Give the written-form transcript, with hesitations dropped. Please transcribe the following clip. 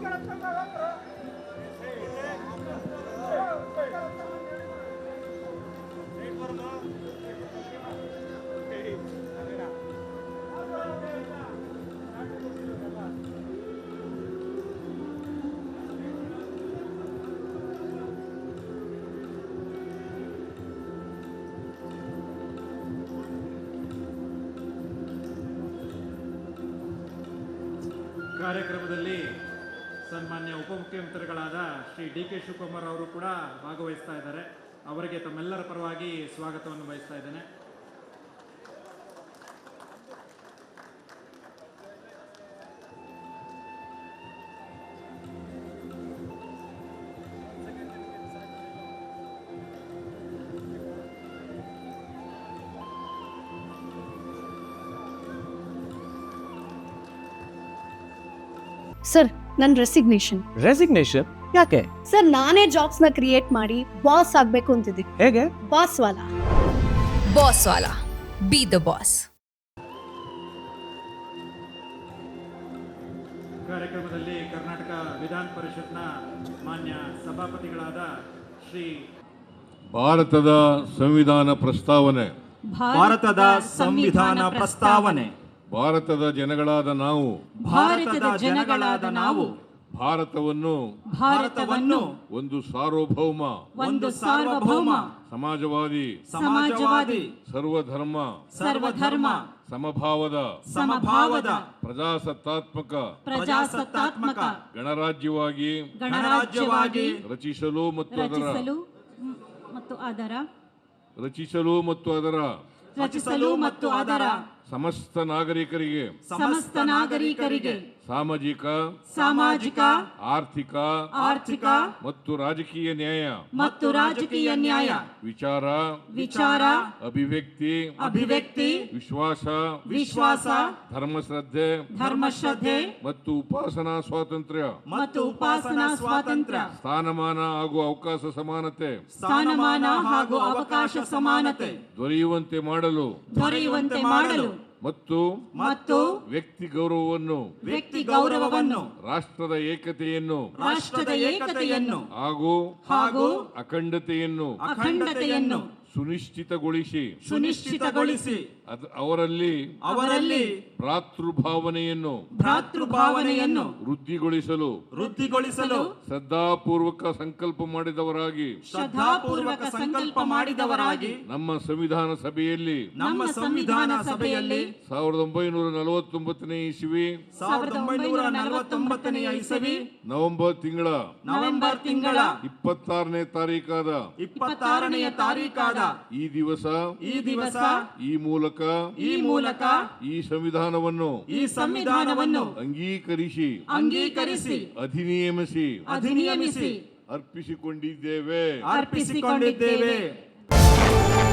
ಕಾರ್ಯಕ್ರಮದಲ್ಲಿ ಸನ್ಮಾನ್ಯ ಉಪಮುಖ್ಯಮಂತ್ರಿಗಳಾದ ಶ್ರೀ ಡಿ ಕೆ ಶಿವಕುಮಾರ್ ಅವರು ಕೂಡ ಭಾಗವಹಿಸ್ತಾ ಇದ್ದಾರೆ. ಅವರಿಗೆ ತಮ್ಮೆಲ್ಲರ ಪರವಾಗಿ ಸ್ವಾಗತವನ್ನು ಬಯಸ್ತಾ ಇದ್ದೇನೆ. ಸರ್, ನನ್ನ ರೆಸಿಗ್ನೇಷನ್ ಯಾಕೆ? ಸರ್, ನಾನೇ ಜಾಬ್ಸ್ ನ ಕ್ರಿಯೇಟ್ ಮಾಡಿ ಬಾಸ್ ಆಗ್ಬೇಕು ಅಂತಿದ್ದೀನಿ. ಹೇಗೆ? ಬಾಸ್ ವಾಲಾ. B the boss. ಕಾರ್ಯಕ್ರಮದಲ್ಲಿ ಕರ್ನಾಟಕ ವಿಧಾನ ಪರಿಷತ್ನ ಮಾನ್ಯ ಸಭಾಪತಿಗಳಾದ ಶ್ರೀ ಭಾರತದ ಸಂವಿಧಾನ ಪ್ರಸ್ತಾವನೆ ಭಾರತದ ಜನಗಳಾದ ನಾವು ಭಾರತವನ್ನು ಒಂದು ಸಾರ್ವಭೌಮ ಸಮಾಜವಾದಿ ಸರ್ವಧರ್ಮ ಸಮಭಾವದ ಪ್ರಜಾಸತ್ತಾತ್ಮಕ ಗಣರಾಜ್ಯವಾಗಿ ರಚಿಸಲು ಮತ್ತು ಅದರ ಸಮಸ್ತ ನಾಗರಿಕರಿಗೆ ಸಾಮಾಜಿಕ ಆರ್ಥಿಕ ಮತ್ತು ರಾಜಕೀಯ ನ್ಯಾಯ ವಿಚಾರ ಅಭಿವ್ಯಕ್ತಿ ವಿಶ್ವಾಸ ಧರ್ಮಶ್ರದ್ಧೆ ಮತ್ತು ಉಪಾಸನಾ ಸ್ವಾತಂತ್ರ್ಯ ಸ್ಥಾನಮಾನ ಹಾಗೂ ಅವಕಾಶ ಸಮಾನತೆ ದೊರೆಯುವಂತೆ ಮಾಡಲು ಮತ್ತು ವ್ಯಕ್ತಿ ಗೌರವವನ್ನು ರಾಷ್ಟ್ರದ ಏಕತೆಯನ್ನು ಹಾಗೂ ಅಖಂಡತೆಯನ್ನು ಸುನಿಶ್ಚಿತಗೊಳಿಸಿ ಅವರಲ್ಲಿ ಭ್ರಾತೃಭಾವನೆಯನ್ನು ವೃದ್ಧಿಗೊಳಿಸಲು ಶ್ರದ್ಧಾಪೂರ್ವಕ ಸಂಕಲ್ಪ ಮಾಡಿದವರಾಗಿ ನಮ್ಮ ಸಂವಿಧಾನ ಸಭೆಯಲ್ಲಿ 1949ನೇ ಇಸವಿ ನವೆಂಬರ್ ತಿಂಗಳ 26ನೇ ತಾರೀಕಾದ ಈ ದಿವಸ ಈ ಮೂಲಕ ಈ ಸಂವಿಧಾನವನ್ನು ಅಂಗೀಕರಿಸಿ ಅಧಿನಿಯಮಿಸಿ ಅರ್ಪಿಸಿಕೊಂಡಿದ್ದೇವೆ.